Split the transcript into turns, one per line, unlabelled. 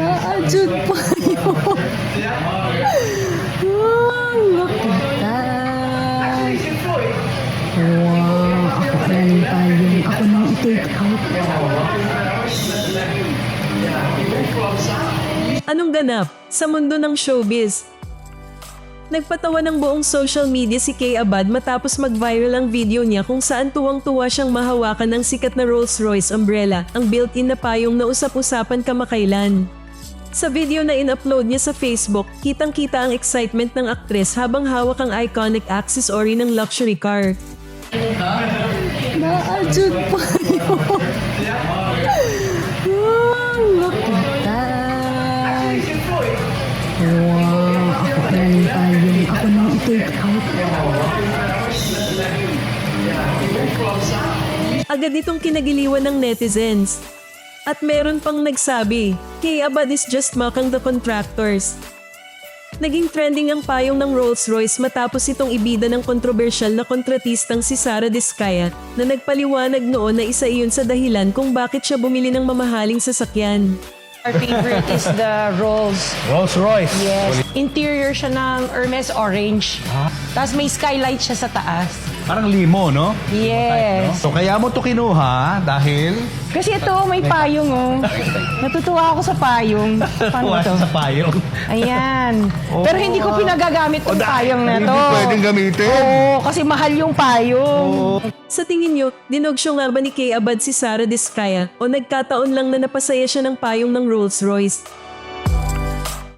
Naadjud pa yun. Ang lakitan. Wow, ako galing tayo. Ako nang i-take out.
Anong ganap sa mundo ng showbiz? Nagpatawa ng buong social media si Kay Abad matapos mag-viral ang video niya kung saan tuwang-tuwa siyang mahawakan ng sikat na Rolls-Royce umbrella, ang built-in na payong na usap-usapan kamakailan. Sa video na in-upload niya sa Facebook, kitang-kita ang excitement ng aktres habang hawak ang iconic accessory ng luxury car.
Naadjud pa yun. Ang lakitan. Wow, ako galing tayo. Ako nang i-take out.
Agad itong kinagiliwan ng netizens. At meron pang nagsabi, Kay Abad is just mocking the contractors. Naging trending ang payong ng Rolls-Royce matapos itong ibida ng kontrobersyal na kontratistang si Sara Diskaya na nagpaliwanag noon na isa iyon sa dahilan kung bakit siya bumili ng mamahaling sasakyan.
Our favorite is the
Rolls Royce.
Yes. Interior siya ng Hermes Orange. Tapos may skylight siya sa taas.
Parang limo, no?
Yes.
So kaya mo to kinuha dahil
Kasi ito, may payong oh. Natutuwa ako sa payong. Paano
tuwa
to?
sa payong.
Ayan. Pero hindi ko pinagagamit yung payong na to.
Hindi pwedeng gamitin.
Oo, kasi mahal yung payong.
Sa tingin niyo, dinogsyo nga ba ni Kay Abad si Sara Diskaya o nagkataon lang na napasaya siya ng payong ng Rolls-Royce?